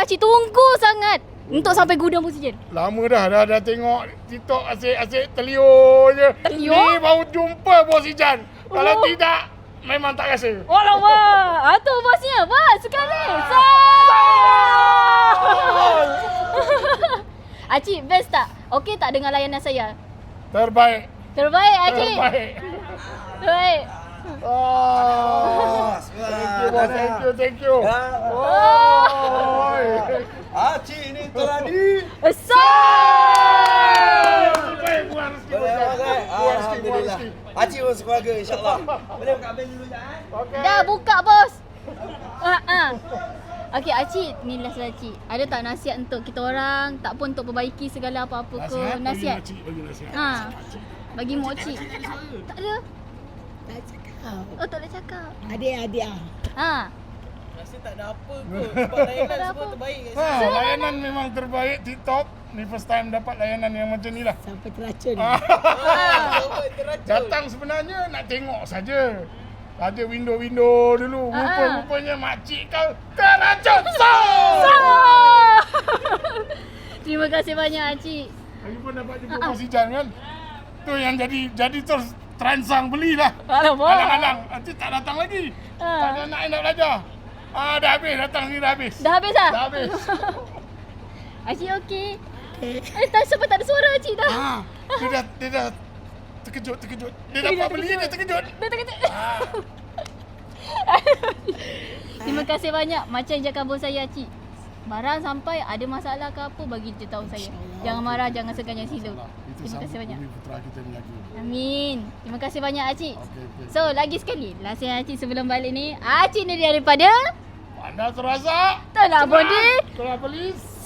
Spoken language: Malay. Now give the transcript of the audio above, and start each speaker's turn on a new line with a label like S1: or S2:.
S1: Acik tunggu sangat untuk sampai gudang oksigen.
S2: Lama dah tengok TikTok asyik telio je.
S1: Telio?
S2: Ni baru jumpa bos Ijan. Kalau tidak, memang tak rasa.
S1: Alamak. Tu bosnya. Bos, sekali. Acik, best tak? Okey tak dengan layanan saya?
S2: Terbaik.
S1: Terbaik, Acik. Terbaik.
S2: Oh, thank you.
S3: Acik ni teradi.
S2: Terbaik, buang rezeki.
S3: Alhamdulillah. Acik pun sekeluarga insya-Allah. Boleh buka bil dulu Jan?
S2: Okey.
S1: Dah buka, bos. Okey, Acik, ni last Acik. Ada tak nasihat untuk kita orang? Tak pun untuk perbaiki segala apa-apa ke? Nasihat.
S2: Bagi nasihat.
S1: Bagi mak cik. Tak ada.
S4: Tak cakap.
S1: Oh, tak boleh cakap.
S4: Adik-adik
S3: Rasa tak ada apa kot sebab layanan semua terbaik kat sini.
S2: Layanan memang terbaik TikTok. Ni first time dapat layanan yang macam ni lah.
S4: sampai teracun.
S2: Datang sebenarnya nak tengok saja. Ada window-window dulu. Rupanya makcik kau teracun.
S1: Terima kasih banyak, Acik.
S2: Lagipun dapat jumpa Bos Ijan kan. Tu yang jadi terus terangsang belilah.
S1: Alamak.
S2: Alang-alang. Nanti tak datang lagi. Tak ada anak yang nak belajar. Dah habis. Datang ni dah habis.
S1: Dah habis dah?
S2: Dah habis.
S1: Acik okey. Tak sebab tak ada suara Acik dah.
S2: Dia dah terkejut. Dia dapat beli dia terkejut.
S1: Dah terkejut. Terima kasih banyak. Macam cakap bos saya, Acik. Barang sampai ada masalah ke apa, bagi je tahu saya. Jangan marah, jangan segan, jangan sila. Terima kasih banyak.
S2: Putra kita ni lagi.
S1: Amin. Terima kasih banyak, Acik.
S2: Okey.
S1: So, lagi sekali. Nasihat Acik sebelum balik ni. Acik ni daripada
S2: Anda terasa?
S1: Tolak Bodi.
S2: Tolak Polis.